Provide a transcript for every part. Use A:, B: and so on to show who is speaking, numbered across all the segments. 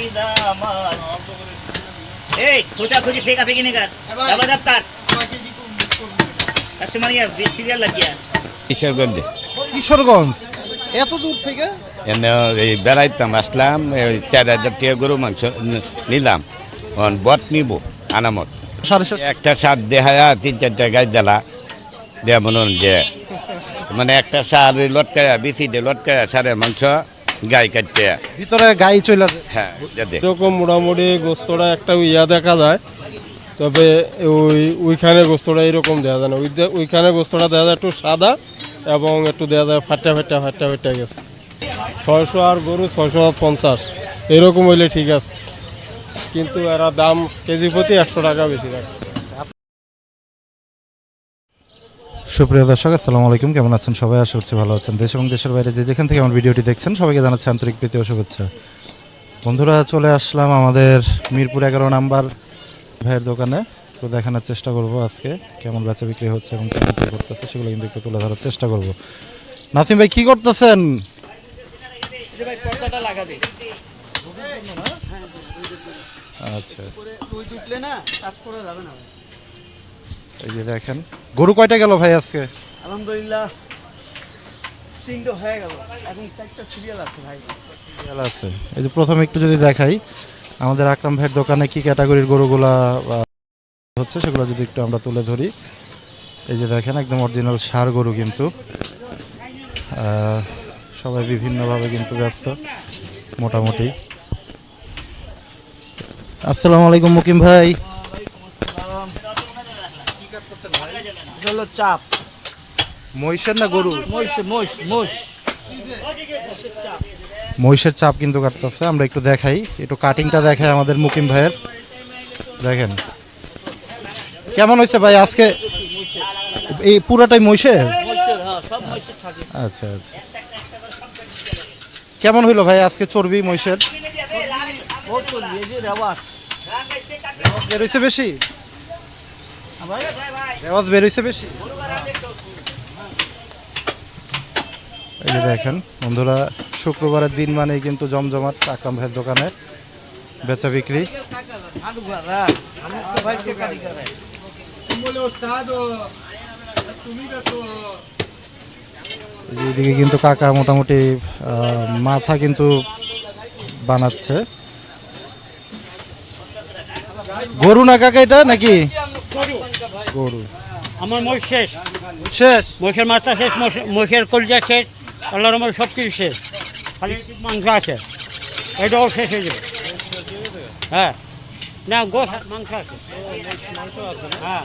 A: এই খোঁজাখুঁজি ফেঁকাফেঁকি নে কার দাবাদাব কার কাস্টমার সিরিয়াল লাগিয়া
B: কিশোরগঞ্জে
C: কিশোরগঞ্জ এত দূর থেকে
B: এনে এই বেড়াইতাম আসলাম 4,000 টাকা গরু মাংস নিলাম বট নিব আনামত
C: 750
B: একটা সার দেহায়া 3-4টা গাছ দিলা দেয়া মনে হন যে মানে একটা সার লটকায়া বিসিডে লটকায়া সারের মাংস গাই কাটতে
C: ভিতরে গাই চলে যায়।
B: হ্যাঁ দে
D: এরকম মোটামুটি গোস্তটা একটা ইয়া দেখা যায়, তবে ওইখানে গোস্তটা এরকম দেওয়া যায় না। ওইখানে গোস্তটা দেওয়া যায় একটু সাদা এবং একটু দেওয়া যায় ফাটা গেছে। 600 আর গরু 650 এরকম হইলে ঠিক আছে, কিন্তু এরা দাম কেজি প্রতি 100 টাকা বেশি রাখে।
C: সুপ্রিয় দর্শক আসসালামু আলাইকুম, কেমন আছেন সবাই? আশা করছি ভালো আছেন। দেশ এবং দেশের বাইরে যে যেখান থেকে আমার ভিডিওটি দেখছেন সবাইকে জানাচ্ছি আন্তরিক প্রীতি ও শুভেচ্ছা। বন্ধুরা, চলে আসলাম আমাদের মিরপুর 11 নাম্বার ভাইয়ের দোকানে। তো দেখানোর চেষ্টা করব আজকে কেমন বেচা বিক্রি হচ্ছে এবং কেমন কী করতেছে সেগুলো কিন্তু একটু তুলে ধরার চেষ্টা করব। নাসিম ভাই কি করতেছেন? আচ্ছা, এই যে দেখেন গরু কয়টা গেল ভাই আজকে?
A: আলহামদুলিল্লাহ 3টা হয়ে গেল, এখন 4টা সিরিয়াল আছে ভাই।
C: সিরিয়াল আছে। এই যে প্রথমে একটু যদি দেখাই আমাদের আকরাম ভাইয়ের দোকানে কি ক্যাটাগরির গরুগুলা হচ্ছে সেগুলো যদি একটু আমরা তুলে ধরি। এই যে দেখেন একদম অরিজিনাল ষাঁড় গরু, কিন্তু সবাই বিভিন্নভাবে কিন্তু ব্যস্ত মোটামুটি। আসসালামু আলাইকুম মুকিম ভাই।
A: হলো চাপ
C: মহিষের না গরু?
A: মোষ
C: মহিষের চাপ কিন্তু কাটতেছে। আমরা একটু দেখাই, একটু কাটিংটা দেখাই আমাদের মুকিম ভাইয়ের। দেখেন কেমন হয়েছে ভাই আজকে? এই পুরাটাই মহিষের? আচ্ছা আচ্ছা, কেমন হইলো ভাই আজকে চর্বি মহিষের? বেরোইছে বেশি? রেওয়াজ বেরোইছে বেশি? এই যে দেখেন বন্ধুরা, শুক্রবারের দিন মানেই কিন্তু জমজমাট আকরাম ভাইয়ের দোকানে বেচা বিক্রি। এইদিকে কিন্তু কাকা মোটামুটি মাথা কিন্তু বানাচ্ছে। গরু না কাকা এটা নাকি? গরু।
E: আমার মোষ শেষ,
C: শেষ?
E: মোষের মাথা শেষ, মোষের কলিজা শেষ, আল্লাহর রহমতে সব কিছু শেষ, খালি মাংস আছে, এটাও শেষ হয়ে যাবে। হ্যাঁ, না গোস মাংস আছে, হ্যাঁ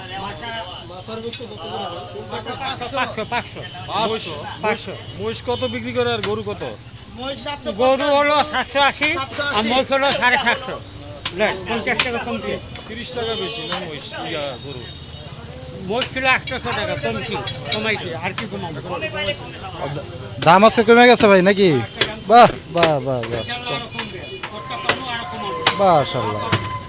E: 500।
D: মহিষ কত বিক্রি করে আর গরু কত?
E: গরু হলো 780 আর মোষ হলো 750। 50 টাকা কমছে।
D: 30 টাকা বেশি না মহিষ গরু?
E: মোষ ছিল 800 টাকা, কমাইছে আর কি কমাবো।
C: দাম আজকে কমে গেছে ভাই নাকি? বাহ বাহ বাহ বাহ, মাশাআল্লাহ।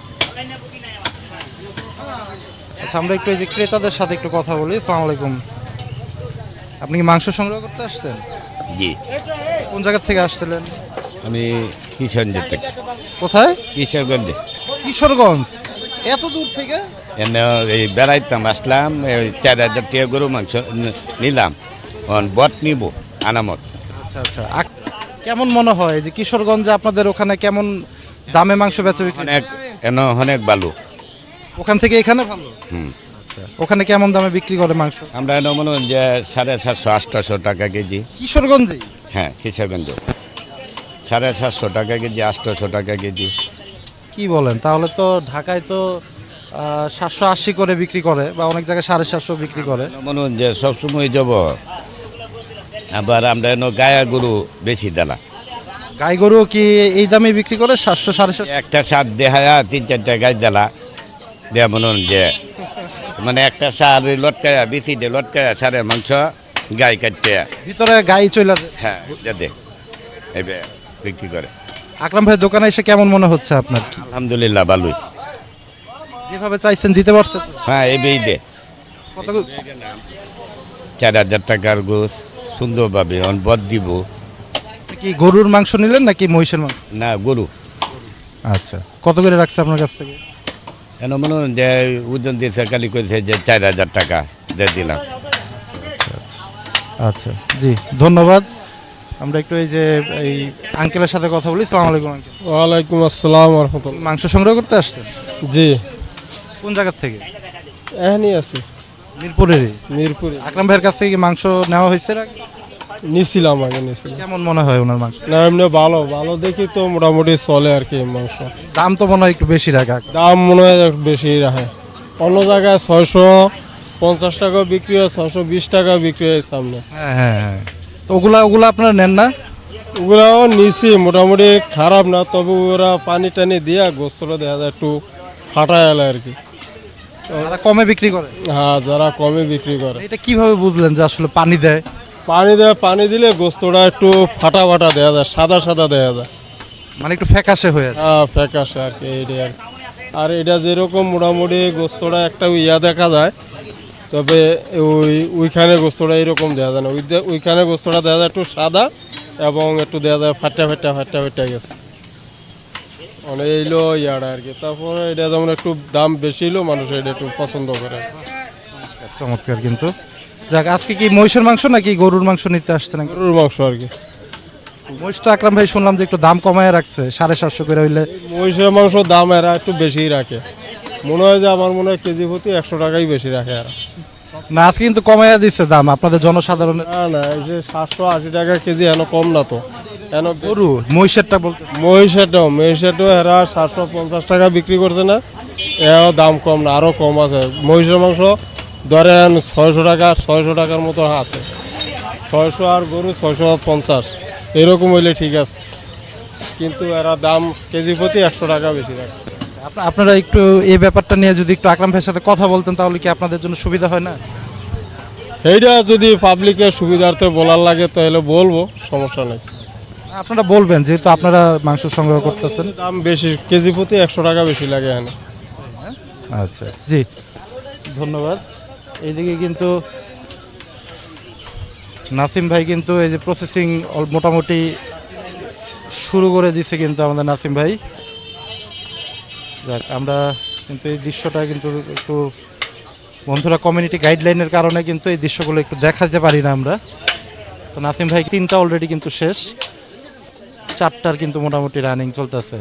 C: আচ্ছা, আমরা একটু এই যে ক্রেতাদের সাথে একটু কথা বলি। আসসালামু আলাইকুম, আপনি কি মাংস সংগ্রহ করতে আসছেন?
B: জি,
C: কোন জায়গা থেকে আসছিলেন?
B: আমি কিশোরগঞ্জ থেকে।
C: কোথায়?
B: কিশোরগঞ্জে
C: কিশোরগঞ্জ এত দূর থেকে?
B: এনে এই বেড়াইতাম আসলাম 4,000 টাকা গরু মাংস নিলাম বট নিব আনামত।
C: আচ্ছা আচ্ছা, কেমন মনে হয় যে কিশোরগঞ্জে আপনাদের ওখানে কেমন দামে মাংস বেচা বিক্রি?
B: অনেক ভালো।
C: ওখান থেকে এখানে ভালো? আচ্ছা, ওখানে কেমন দামে বিক্রি করে মাংস? আমরা
B: আমরা মনে হয় যে 750-800 টাকা কেজি।
C: কিশোরগঞ্জে?
B: হ্যাঁ, কিশোরগঞ্জে 750 টাকা কেজি, 800 টাকা কেজি।
C: কি বলেন? তাহলে তো ঢাকায় তো 780 করে বিক্রি করে, বা অনেক জায়গায় 750 বিক্রি করে।
B: মনে হয় যে সবসময় যাব। আবার আমরা গায়া গরু বেশি দেলা।
C: গাই গরু কি এই দামে বিক্রি করে? 700-750?
B: একটা সার দেহায়া 3-4টা গাছ দিলা দেয়া মনে হন যে মানে একটা সার লটকায়া বিসিডে লটকায়া সারের মাংস গাই কাটতে
C: ভিতরে গাই চলে যায়।
B: হ্যাঁ যাতে এবার বিক্রি করে।
C: আকরাম ভাইয়ের দোকানে এসে কেমন মনে হচ্ছে আপনার?
B: আলহামদুলিল্লাহ ভালোই।
C: যেভাবে চাইছেন দিতে পারছে তো?
B: হ্যাঁ, এবেই দে
C: কত?
B: 4,000 টাকার গোস সুন্দরভাবে বদ দিব।
C: কি গরুর মাংস নিলেন নাকি মহিষের মাংস?
B: না, গরু
C: আচ্ছা, কত করে রাখছে আপনার কাছ থেকে?
B: কেন মনে হয় যে ওজন দিয়েছে কালি করেছে যে 4,000 টাকা দিয়ে দিলাম।
C: আচ্ছা জি, ধন্যবাদ। আমরা একটু এই যে এই আঙ্কেলের সাথে কথা বলি। সালাম আলাইকুম আঙ্কেল।
D: ওয়ালাইকুম আসসালাম রহমতুল্লাহ।
C: মাংস সংগ্রহ করতে আসছেন?
D: জি,
C: কোন জায়গার থেকে?
D: এখানেই আছি
C: মিরপুরেরই।
D: মিরপুরে।
C: আকরাম ভাইয়ের কাছ থেকে কি মাংস নেওয়া হয়েছে এর আগে?
D: নিছিলাম, আগে নিছিলাম।
C: কেমন মনে হয় ওনার মাংস?
D: না এমনি ভালো ভালো দেখি তো মোটামুটি চলে আর কি মাংস।
C: দাম তো মনে হয় একটু বেশি রাখা।
D: দাম মনে হয় একটু বেশি রাখে। অন্য জায়গায় 650 টাকা বিক্রি হয়, 620 টাকা বিক্রি হয় সামনে।
C: হ্যাঁ হ্যাঁ হ্যাঁ। তো ওগুলা আপনারা নেন না?
D: ওগুলাও নিছি, মোটামুটি খারাপ না, তবে ওরা পানি টানি দিয়া গোস্তটা দেখা যায় একটু ফাটায় এলে আর কি।
C: তারা কমে বিক্রি করে।
D: হ্যাঁ, যারা কমে বিক্রি করে।
C: এটা কিভাবে বুঝলেন যে আসলে পানি দেয়?
D: পানি দিলে গোস্তটা একটু ফাটা ফাটা দেওয়া যায়, সাদা সাদা দেওয়া যায়।
C: মানে একটু ফ্যাকাশে হয়ে আছে।
D: হ্যাঁ, ফ্যাকাশে আর কি এইটাই আর কি। আর এটা যেরকম মোটামুটি গোস্তটা একটা ইয়া দেখা যায়, তবে ওইখানে গোস্তটা এরকম দেওয়া যায় না। ওইখানে গোস্তটা দেওয়া যায় একটু সাদা এবং একটু দেওয়া যায় ফাটা ফাটা গেছে। মানে এইলো ইয়াটা আর কি। তারপরে এটা যেমন একটু দাম বেশি হলো, মানুষ এটা একটু পছন্দ করে।
C: চমৎকার। কিন্তু যাক, আজকে কি মহিষের মাংস নাকি গরুর মাংস নিতে আসছেন?
D: গরুর মাংস আর কি।
C: মহিষ তো আকরাম ভাই শুনলাম যে একটু দাম কমায় রাখছে, 750 করে হইলে।
D: মহিষের মাংস দাম এরা একটু বেশিই রাখে, মনে হয় যে আমার মনে হয় কেজি প্রতি 100 টাকাই বেশি রাখে এরা।
C: না, আজকে কিন্তু কমাইয়া দিচ্ছে দাম আপনাদের জনসাধারণের।
D: না না, এই যে 780 টাকা কেজি এন কম না তো। এন
C: গরু মহিষেরটা বলতে
D: মহিষেরটাও এরা 750 টাকা বিক্রি করছে না, এও দাম কম না, আরও কম আছে। মহিষের মাংস ধরেন 600 টাকার মতো আছে, 600 আর গরু 650 এরকম হইলে ঠিক আছে, কিন্তু এরা দাম কেজি প্রতি 100 টাকা বেশি রাখে।
C: আপনারা একটু এই ব্যাপারটা নিয়ে যদি একটু আকরাম ভাইয়ের সাথে কথা বলতেন তাহলে কি আপনাদের জন্য সুবিধা হয় না?
D: এইটা যদি পাবলিকের সুবিধার্থে বলার লাগে তাহলে বলবো, সমস্যা নেই।
C: আপনারা বলবেন, যেহেতু আপনারা মাংস সংগ্রহ করতেছেন।
D: দাম বেশি, কেজি প্রতি 100 টাকা বেশি লাগে এখানে।
C: আচ্ছা জি, ধন্যবাদ। এইদিকে কিন্তু নাসিম ভাই কিন্তু এই যে প্রসেসিং মোটামুটি শুরু করে দিছে কিন্তু আমাদের নাসিম ভাই। যাক, আমরা কিন্তু এই দৃশ্যটা কিন্তু একটু বন্ধুরা কমিউনিটি গাইডলাইনের কারণে কিন্তু এই দৃশ্যগুলো একটু দেখাতে পারি না আমরা। তো নাসিম ভাই 3টা অলরেডি কিন্তু শেষ, 4টার কিন্তু মোটামুটি রানিং চলতেছে।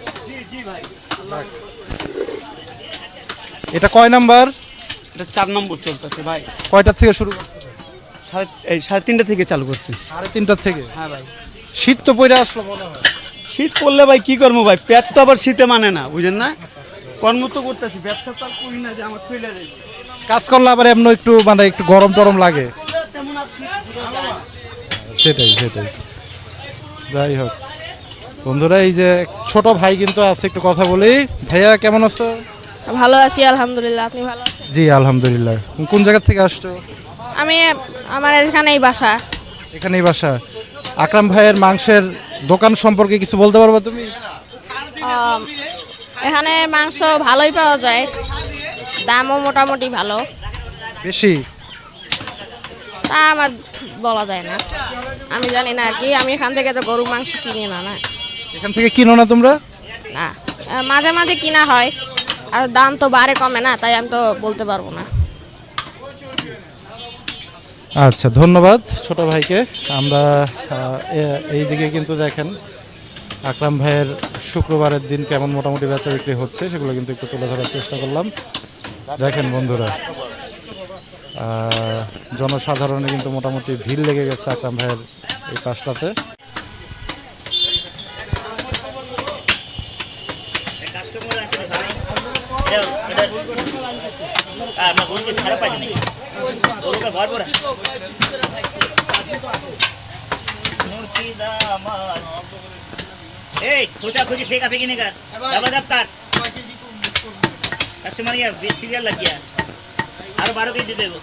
C: এটা কয় নাম্বার?
A: এটা 4 নম্বর চলতেছে ভাই।
C: কয়টার থেকে শুরু করছে?
A: 3:30 থেকে চালু করছি।
C: 3:30 থেকে?
A: হ্যাঁ ভাই।
C: শীত তো পড়ে আসলো মনে হয়।
A: শীত পড়লে ভাই কি করবো ভাই, পেট তো আবার শীতে মানে না, বুঝেন না? কর্ম তো করতেছি, ব্যবসা তো আর করি না যে আমার চলে যাবে।
C: কাজ করলে আবার এমন একটু মানে একটু গরম টরম লাগে।
A: তেমন আর শীত বোঝা যায় না।
C: সেটাই। যাই হোক বন্ধুরা, এই যে ছোট ভাই কিন্তু আছে, একটু কথা বলি। ভাইয়া কেমন আছো?
F: ভালো আছি আলহামদুলিল্লাহ। আপনি ভালো আছেন?
C: জি আলহামদুলিল্লাহ। কোন জায়গা থেকে আসছো?
F: আমি আমার এখানেই বাসা।
C: এখানেই বাসা। আকরাম ভাইয়ের মাংসের দোকান সম্পর্কে কিছু বলতে পারবা তুমি?
F: এখানে মাংস ভালোই পাওয়া যায়, দামও মোটামুটি ভালো।
C: বেশি?
F: তা আমার বলা যায় না, আমি জানি না আর কি। আমি এখান থেকে তো গরুর মাংস কিনি না।
C: এখান থেকে কিনো না তোমরা?
F: না, মাঝে মাঝে কিনা হয়, আর দাম তো বাড়ে কমে না, তাই আমি তো বলতে পারবো না।
C: আচ্ছা, ধন্যবাদ ছোট ভাইকে। আমরা এইদিকে কিন্তু দেখেন আকরাম ভাইয়ের শুক্রবারের দিন কেমন মোটামুটি বেচা বিক্রি হচ্ছে সেগুলো কিন্তু একটু তুলে ধরার চেষ্টা করলাম। দেখেন বন্ধুরা, জনসাধারণে কিন্তু মোটামুটি ভিড় লেগে গেছে আকরাম ভাইয়ের এই পাশটাতে।
G: এই খোঁজাখুঁজি ফেকাফেকি নেই কার ডাবা কাট কাস্টমার ইয়া সিরিয়াল লাগিয়া আরো 12 কেজি দেবো।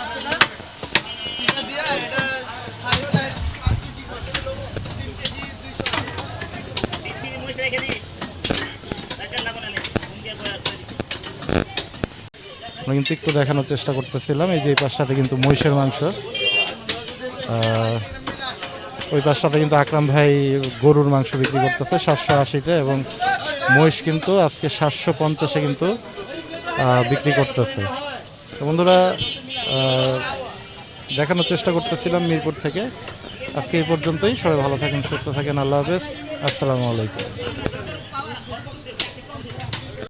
C: আমরা কিন্তু একটু দেখানোর চেষ্টা করতেছিলাম। এই যে এই পাশটাতে কিন্তু মহিষের মাংস, ওই পাশটাতে কিন্তু আকরাম ভাই গরুর মাংস বিক্রি করতেছে 780-তে, এবং মহিষ কিন্তু আজকে 750-এ কিন্তু বিক্রি করতেছে। তো বন্ধুরা দেখানোর চেষ্টা করতেছিলাম মিরপুর থেকে। আজকে এই পর্যন্তই। সবাই ভালো থাকেন, সুস্থ থাকেন। আল্লাহ হাফেজ, আসসালামু আলাইকুম।